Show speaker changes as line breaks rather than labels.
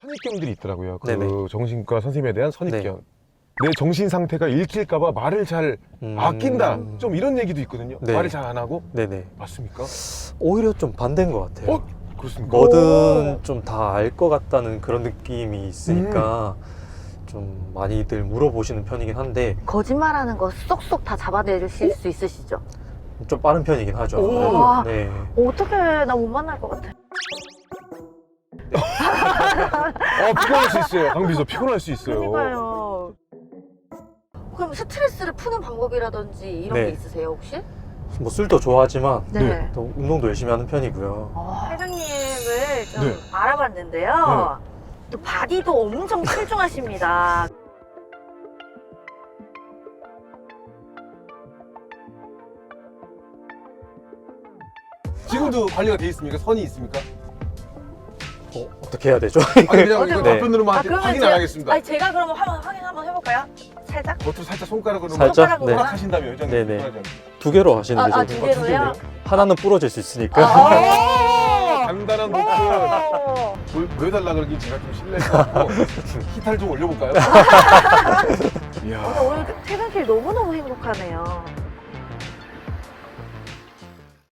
선입견들이 있더라고요. 그
네네.
정신과 선생님에 대한 선입견.
네.
내 정신 상태가 읽힐까봐 말을 잘 아낀다. 좀 이런 얘기도 있거든요.
네.
말을 잘 안 하고.
네네.
맞습니까?
오히려 좀 반대인 것 같아요.
어? 그렇습니까?
뭐든 좀 다 알 것 같다는 그런 느낌이 있으니까 좀 많이들 물어보시는 편이긴 한데
거짓말하는 거 쏙쏙 다 잡아내실 수 있으시죠?
좀 빠른 편이긴 하죠.
오.
네.
어떻게 나 못 만날 것 같아.
피곤할 수 있어요. 강비서 피곤할 수 있어요.
그러니까요. 그럼 스트레스를 푸는 방법이라든지 이런
네.
게 있으세요 혹시?
뭐 술도 좋아하지만
네.
또 운동도 열심히 하는 편이고요.
회장님을 좀
네.
알아봤는데요. 또 바디도 엄청 출중하십니다.
지금도 관리가 돼 있습니까? 선이 있습니까?
어떻게 해야 되죠?
아니 그냥 이거
네.
답변으로만
그러면
확인 안 하겠습니다.
아니 제가 그러면 확인 한번 해볼까요? 살짝?
겉으로 살짝 손가락으로
살짝?
손가락으로
네.
하신다면 회장님.
네네.
손가락으로.
두 개로 하시는 게
아,
좀
두 개로요?
하나는 부러질 수 있으니까.
간단한 노트 보여달라 그러긴 제가 좀 실례인 것 같고 히탈 좀 올려볼까요? 이야.
오늘 퇴근길 너무너무 행복하네요.